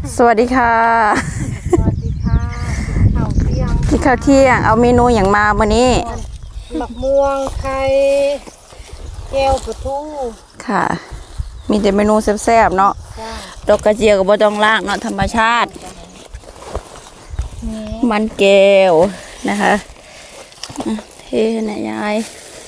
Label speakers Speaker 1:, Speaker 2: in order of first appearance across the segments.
Speaker 1: สวัสดีค่ะ
Speaker 2: สวัสดีค่ะข้าวเที่ยง
Speaker 1: กินข้าวเที่ยงเอาเมนูอย่างมาวันนี้
Speaker 2: หมักม่วงไข่แก้วปลาทู
Speaker 1: ค่ะ มีแต่เมนูแซ่บๆเนาะดอกกระเจียวกับบ่ต้องล่างเนาะธรรมชาติมันแก้วนะคะเทนะยาย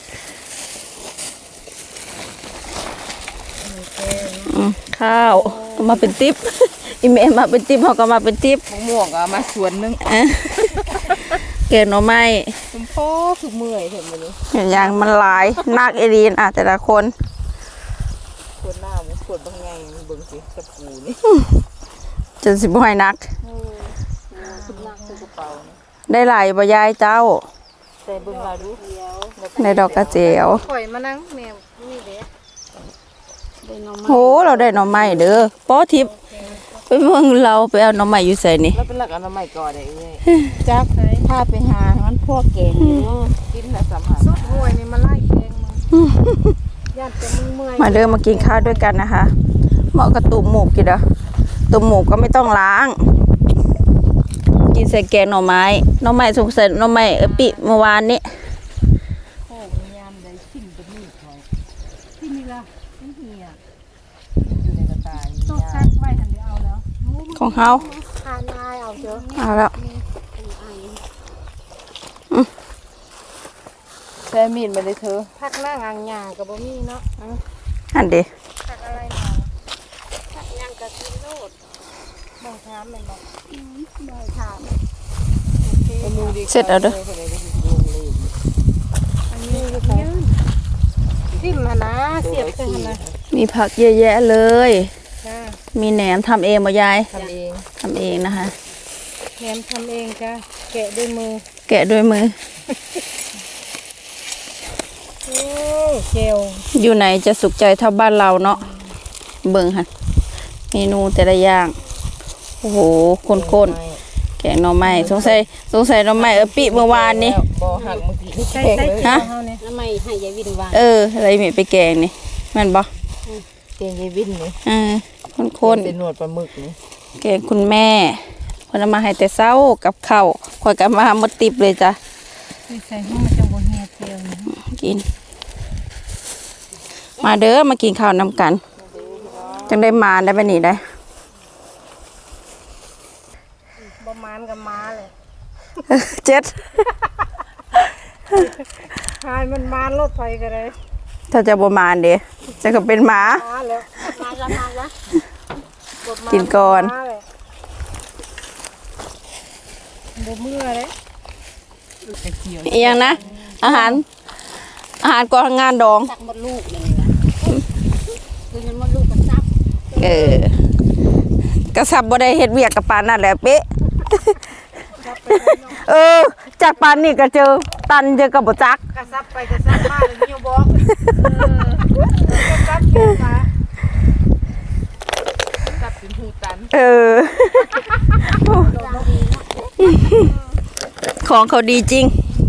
Speaker 1: ข้าวก็มาเป็นติ๊บอีเมลมาเป็นติ๊บเขาก็มาเป็นติ๊บ
Speaker 2: มะม่วงก็มาส่วนนึง
Speaker 1: เกณฑ์หน่อไม้
Speaker 2: คุณพ่อคือเมื่อยเห็นไหมนี่
Speaker 1: อย่างมันหลายนักเอรีนแต่ละคน
Speaker 2: คนหน้ามันขวดบางไงเบิ่งสิกระปูนี่
Speaker 1: จนสิบห้อยนัก
Speaker 2: คุณนักคือกระเป๋า
Speaker 1: ได้หลายบ่ยายเจ้า
Speaker 2: แต่เบิ่งมาดู
Speaker 1: ในดอกกระเจียว
Speaker 2: ข่อยมานั่งแมวนี่เด้
Speaker 1: โหเราได้หน่อไม้เด้อป้อทิพย์ไปเมืองเราไปเอาหน่อไม้อยู่ใส่นี่
Speaker 2: แล้วเป็นหลักเอาหน่อไม้ก่อนได้เลยจักพาไปหามันพวกแกงเนาะกินแล้วสำคัญสุดห่วยนี่มาไล่แกงมึงญาติจะมึงเมื่อย
Speaker 1: มาเดินมากินข้าวด้วยกันนะคะเหมาะกับตุ่มหมูกินเด้อตุ่มหมูก็ไม่ต้องล้างกินใส่แกงหน่อไม้สงสัยหน่อไม้ปิเมื่อวานนี้
Speaker 2: โอ้ยามได้สิ่งเป็นนี่เขาที่นี่ล่ะนี่เหี่ยอยู่ในกระต่ายต้องแซกไว้หันเดี๋ยวเอาแล้ว
Speaker 1: ของเฮา
Speaker 2: ทานนายเอาเถอะ
Speaker 1: เอาแล้ว
Speaker 2: แซ่มีดมาเลยเธอพักนั่งอ่างหยากับบ่มีเนาะ
Speaker 1: อันเดี
Speaker 2: พักอะไรมาพักย่างกะทิโลดบ่ถามแม่นบ่บ่ถาม
Speaker 1: เสร็จแล้วเด้อ
Speaker 2: อันนี้ก็คือจิ้มหั่นนะเสียบกันหั่นนะ
Speaker 1: มีผักเยอะแยะเลยมีแหนมทำเองบ่ยายทำเองนะคะ
Speaker 2: แหนมทำเองจ้ะแกะด้วยมือโอ้เจล
Speaker 1: อยู่ไหนจะสุขใจเท่าบ้านเราเนาะเบิ่งค่ะเมนูแต่ละอย่างโอ้โหข้นๆแกงหน่อไม้สงสัยหน่อไม้ปิเมื่อวานนี้
Speaker 2: บ่หักเมื่อกี้ใช่ฮะหน่อไม้ให้ยายวินวาง
Speaker 1: อะไรมีไปแกงนี่มันบ่
Speaker 2: แกงยายวินนี่
Speaker 1: ข้น
Speaker 2: เป็นหนวดปลาหมึกนี่
Speaker 1: แกงคุณแม่คนเอามาให้แต่เช้ากับข้าวข่อยก็มาหมดติบเลยจ้ะ
Speaker 2: ใส่ห้องมันจะบ่เหี่ยวเจียว
Speaker 1: กินมาเด้อมากินข้าวนำกันจังได้มาได้ไปนี่ได้
Speaker 2: ประมาณกับมาเลย
Speaker 1: 7
Speaker 2: หายมันมารถไฟกันเลย
Speaker 1: ถ้าจะประมาณเด้จะก็เป็นหมา
Speaker 2: แล้ว
Speaker 1: กินก่อน
Speaker 2: บ่เมื่อเลย
Speaker 1: อย่างนะอาหารก่อนงานดอง
Speaker 2: ตักมดลูกนี่นะคือมดลูกกระซับ
Speaker 1: กระซับบ่ได้เฮ็ดเวียกกับปานนั่นแหละเป๊ะจากปานนี่ก็เจอตันเจอกับบ่จัก
Speaker 2: กระซับไปกระซับมาเลยนิ้วบอกกระซับขึ้นมาซับเป็นหูตัน
Speaker 1: ของเขาดีจริง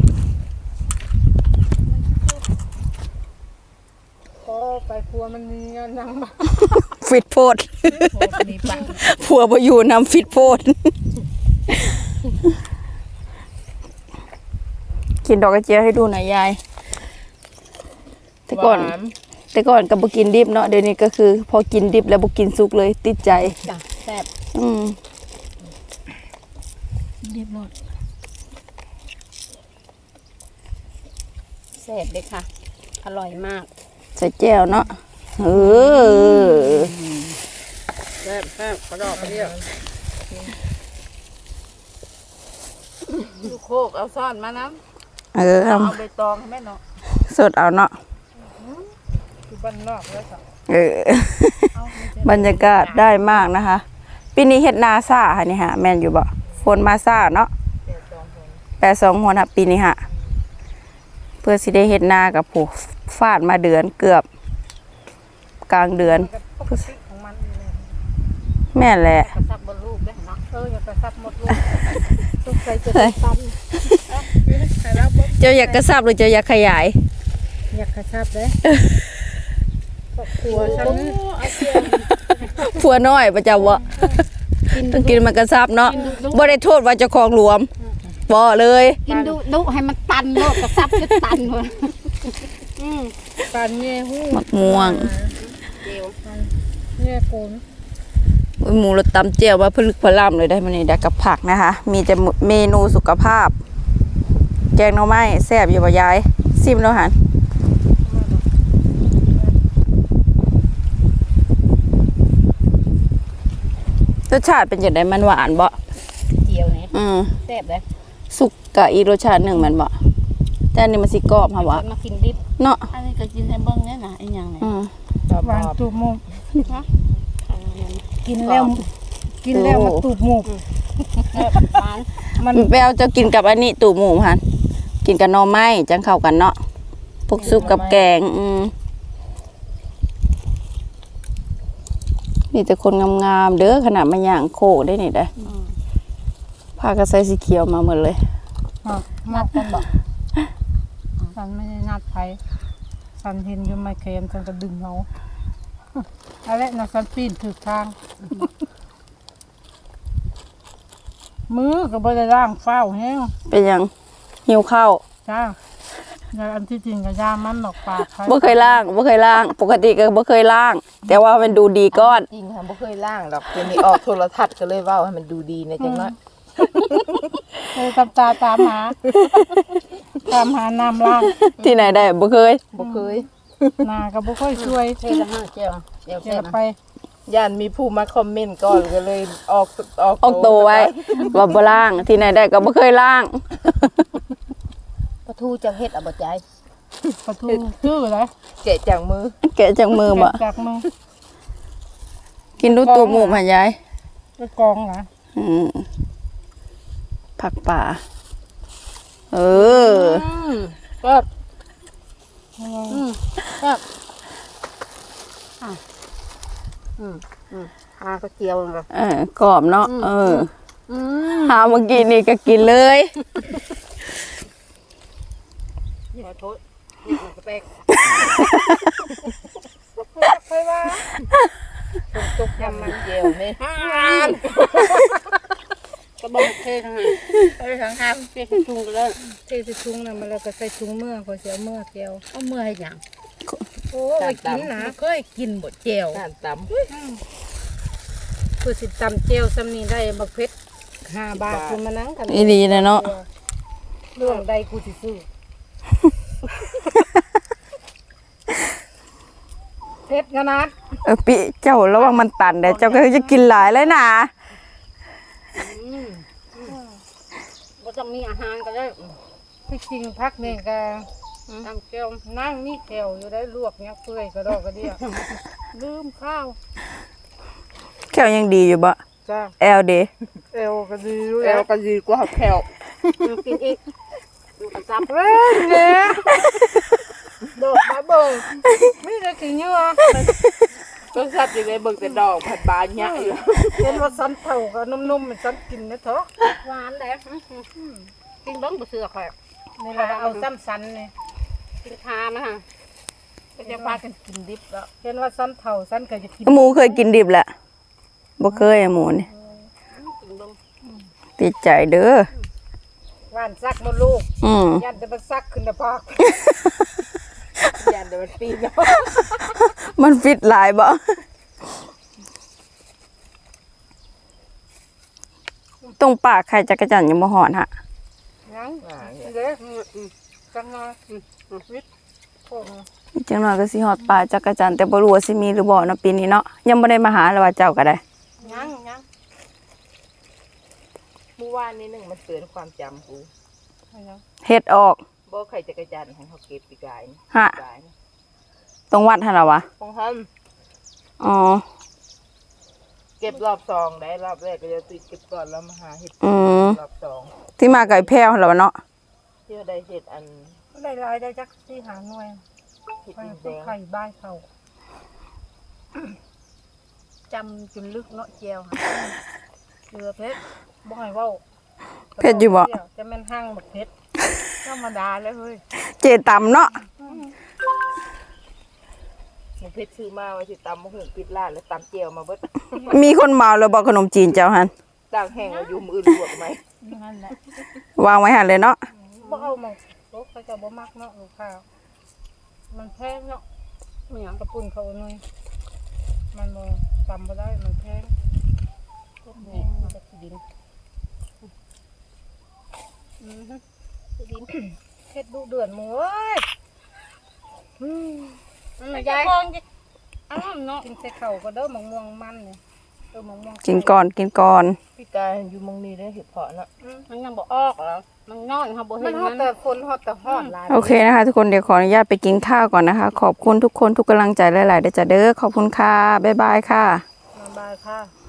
Speaker 2: ไปครัวมันมีนั่ง
Speaker 1: ฟิตโพดผัวบ่อยู่นำฟิตโพดกินดอกกระเจียวให้ดูหน่อยยายแต่ก่อนก็บ่กินดิบเนาะเดี๋ยวนี้ก็คือพอกินดิบแล้วบ่กินสุกเลยติดใจ
Speaker 2: แซ่บดิบหมดแซ่บเลยค่ะอร่อยมาก
Speaker 1: ใส่แจ่วเนาะ
Speaker 2: แซ่บกระดอกกระเดี่ยวลูกโคกเอาซ่อนมาน้ำเอาใบตองให้แม่เนาะ
Speaker 1: สดเอาเนาะ
Speaker 2: อยู่บ้านนอกแล้ว
Speaker 1: บรรยากาศได้มากนะคะปีนี้เฮ็ดนาซ่าค่ะนี่ฮะแม่นอยู่บ่ฝนมาซ่าเนาะ82 หัวนะปีนี้ฮะเพื่อสิได้เฮ็ดนากับผู้ฟาดมาเดือนเกือบกลางเดือนแม่แหละ
Speaker 2: กระซับบนลูกได้เนาะอย่ากระซับหมดลูกทุกใส่จะตัน
Speaker 1: เจ้าอยากกระซับหรือเจ้าอยากขยาย
Speaker 2: อยากกระซับเลยผัวฉัน
Speaker 1: ผัวน้อยประจำวะต้องกินมันกระซับเนาะบ่ได้โทษว่าเจ้าของหลวมบ่เลย
Speaker 3: กินดุให้มันตันโลดกระซับจะตันหมด
Speaker 2: ปันแง่หู้
Speaker 1: มักม่วง
Speaker 3: เดียว
Speaker 2: แง่โกน
Speaker 1: หมูรสตำเจียวว่าพลึกพล่ำเลยได้มื้อนี้ได้กับผักนะคะ มีแต่เมนูสุขภาพ แกงหน่อไม้แซ่บอยู่บ่ยายซิมแล้วหันรสชาติเป็นจังได๋มันหวานบ่
Speaker 3: เจียวนี่ แซ่บเลย
Speaker 1: สุกกะอีกรสชาติหนึงแมันบ่แต่อันนี้มันสิกรอบค่ะบ่
Speaker 3: มากินดิบ
Speaker 1: เนาะ
Speaker 3: อันนี้ก็กินให้เบิ่งเนี่ยนะไอ้หยังเนี่ย
Speaker 2: หวานตูบหมูกินแล้วมันตูบหมู
Speaker 3: หวาน
Speaker 2: มัน
Speaker 1: แปวจะกินกับอันนี้ตู่หมูหันกินกับหน่อไม้จังเข้ากันเนาะพวกซุปกับแกงนี่แต่คนงามๆเด้อขนาดมาย่างโคได้นี่ได้ผ้ากระใสสีเขียวมาหมดเลย
Speaker 2: นัดกันบอกฉันไม่ได้นัดไผฉันเห็นอยู่ไม่เค็มฉันก็ดึงเอาอะไรนะฉันปีนถือทาง มือก็บ่ได้ล้างเฝ้าแห้ง
Speaker 1: เป็นหยังหิวข้าว
Speaker 2: จ้าแล้วอันที่จริงก็ยามันดอกปากไผ
Speaker 1: บ่เคยล้างปกติก็บ่เคยล้าง แต่ว่ามันดูดีก้อน
Speaker 4: จริงค่ะบ่เคยล่างหรอกเดี๋ยวนี้ออกโทรทัศน์ก็เลยเว้าให้มันดูดีในจังน้อย
Speaker 2: เลยตามหาน้ำล้าง
Speaker 1: ที่ไหนได้บ่เคย
Speaker 4: บ่เคย
Speaker 2: นาก็บ่ค่อยช่วย
Speaker 3: เทละห้าเจียวเจียว
Speaker 2: เก็
Speaker 3: แซ่
Speaker 2: บบ ไป
Speaker 4: ย่านมีผู้มาคอมเมนต์ก่อนก็เลยออก
Speaker 1: ออกโตวไว้ว่าบ่ล้าง ที่ไหนได้ก็บ่เคยล้าง
Speaker 3: ปลาทูจังเฮ็ดเอาบ่ใจ
Speaker 2: ประตูชื่ออะไร
Speaker 4: แกะจากมือ
Speaker 1: แกะจากมือบ่
Speaker 2: จากมือ
Speaker 1: กินดูตัวหมูหายาย
Speaker 2: ไปกองนะ
Speaker 1: ผักป่า เออ
Speaker 3: ก็ หาก็เจียวเลย
Speaker 1: กรอบเนาะหาเมื่อกี้นี่ก็กินเลย
Speaker 3: ขอโทษนี่มันก็แปลก
Speaker 2: ไปว่า
Speaker 4: ตุกยำมันเจียวนี่
Speaker 3: ก็บอกเททั้งนั้น
Speaker 4: ไปทางห้าม
Speaker 3: เทถุงก็เลย
Speaker 2: เทใส่ถุงน่ะมันแล้วก็ใส่ถุงเมื่อพอเสียเมื่อแก้ว
Speaker 3: เอาเมื่อให้หยัง
Speaker 2: โอ้ไปกินนะเคยกินบ่แก้ว
Speaker 4: ด้านตำ
Speaker 2: คือสิตำแก้วซ้ำนี้ได้บักเพชร5 บาทคือมานั่งกัน
Speaker 1: อีดีนะเนาะ
Speaker 2: เรื่องใดกูสิซื้อเพชรขนาด
Speaker 1: ปิเจ้าระวังมันตันเด้เจ้าก็จะกินหลายเลยนะ
Speaker 3: บ่ต้องมีอาหารก็ได้
Speaker 2: ที่จริงพักนี่ก็ตำแก้วนั่งนี่แก้วอยู่ได้ลวกเนี่ยเปื่อยกระดอกกระเดียลืมข้าว
Speaker 1: แค่ยังดีอยู่บ่
Speaker 2: จ้า
Speaker 1: แอลเด
Speaker 2: เอวก็ดีอยู่
Speaker 4: แล้
Speaker 2: แล้ว ว
Speaker 4: ก็ดีกว่าแผ่ว
Speaker 3: กินอีกดูกระซับ
Speaker 2: เว้ยเนี่ยโดดมาเบิ่งไม่ได้กินเยอะ
Speaker 4: ก็สัตว์อยู่ในเบิ่งแต่ดอกผัดบานยะอยู่
Speaker 2: เห็นว่าสันเท่ากับนุ่มๆมันสันกินนะเถอะ
Speaker 3: หวานแหละกินเบิ่งบ่เสือข่อย
Speaker 2: นี่ละเอาซ้ำสันนี่
Speaker 3: กินคามาฮะ
Speaker 2: ก็จะพากันกินดิบแล้วเห็นว่าสันเท่าสันก็จะกิน
Speaker 1: หมูเคยกินดิบแหละบ่เคยหมูนี่
Speaker 3: กินเบิ่ง
Speaker 1: ติดใจเด้อ
Speaker 2: หวานซักมาลูก ยันจะมาซักขึ้นนะพ่อ
Speaker 4: ยันเดี๋ยวมันปีนเนาะ
Speaker 1: มันฟิตหลายบ่ตรงปากไข่จักรจันทร์ยังบ่หอนฮะ
Speaker 2: ยังเด้อจังงาวิทย์พวก
Speaker 1: จังหน่อยก็สิฮอดปลาจักรจันทร์แต่บ่รู้ว่าสิมีหรือบ่เนาะปีนี้เนาะยังบ่ได้มาหาเลยว่าเจ้าก็ได้
Speaker 2: ยัง
Speaker 4: เมื่อวานนี้หนึ่งมันเตือนความจำกู
Speaker 1: เฮ็ดออก
Speaker 4: บ่ใครจะกระจันของเขาเก็บปีกายนี่
Speaker 1: ฮะ
Speaker 4: ปีกายนี่
Speaker 1: ตรงวัดหั่นล่ะวะ
Speaker 4: ของท่าน
Speaker 1: อ๋อ
Speaker 4: เก็บรอบสองได้รอบแรกก็จะติดเก็บก่อนแล้วมาหาเห็ดรอบสอง
Speaker 1: ที่มาไก่แพ้วหั่นล่ะวะเนาะ
Speaker 4: ที่ว่าได้เห็ดอัน
Speaker 2: ได้ลายได้จักที่หาหน่วย
Speaker 4: เห็ด
Speaker 2: ไป
Speaker 4: ดินแดง
Speaker 2: ไข่บ้านเขาจำจนลึกเนาะเจียวเรือเพชรบ่ให้เว้า
Speaker 1: เพชรอยู่บ่
Speaker 2: จะแม่นห้างบักเพชรธรรมดาเลยเฮ้ย
Speaker 1: เจตำเนาะ
Speaker 4: หนูเพชรซื้อมาไว้สิตำมะฮุ่งปิดร้านแล้วตำเจียวมาเบิด
Speaker 1: มีคนเมาแล้วบอกขนมจีนเจ้าหัน
Speaker 4: ต่างแห้งเอาอยู่มืออื่นลวกไหม
Speaker 2: นั่นแหละ
Speaker 1: วางไว้หันเลยเนาะ
Speaker 2: บ่เอามาโลกเขาจะบ่มักเนาะลูกค้ามันแพงเนาะไม่หยังกระปุ่นเขาหน่อยมันบ่ตำบ่ได้มันแพงต้นแพงมาจากที่ดินที่ดินเฮ็ดดุเดือดหมูเอ้ยมันยายอ้าวเนาะกินใส่ข้าวก็เด้อมะม่วงมันเนี่ยมะม่วง
Speaker 1: กินก่อนกินก่อน
Speaker 4: พี่กายอยู่มองนี้ได้เห็ดเพาะเนาะ
Speaker 3: มันยังบ่ออกเหรอมันน้อยเขาบ่
Speaker 2: มั
Speaker 3: เห็
Speaker 2: น
Speaker 3: น
Speaker 2: ฮอ
Speaker 3: มั
Speaker 2: ด
Speaker 3: น
Speaker 2: แต่คนฮอดแต่ฮอดหลาย
Speaker 1: โอเคนะคะทุกคนเดี๋ยวขออนุญาตไปกินข้าวก่อนนะคะ ขอบคุณทุกคนทุกกำลังใจหลายๆเด้อจ้ะเด้อขอบคุณค่ะบ๊ายบายค่ะ
Speaker 2: สบายค่ะ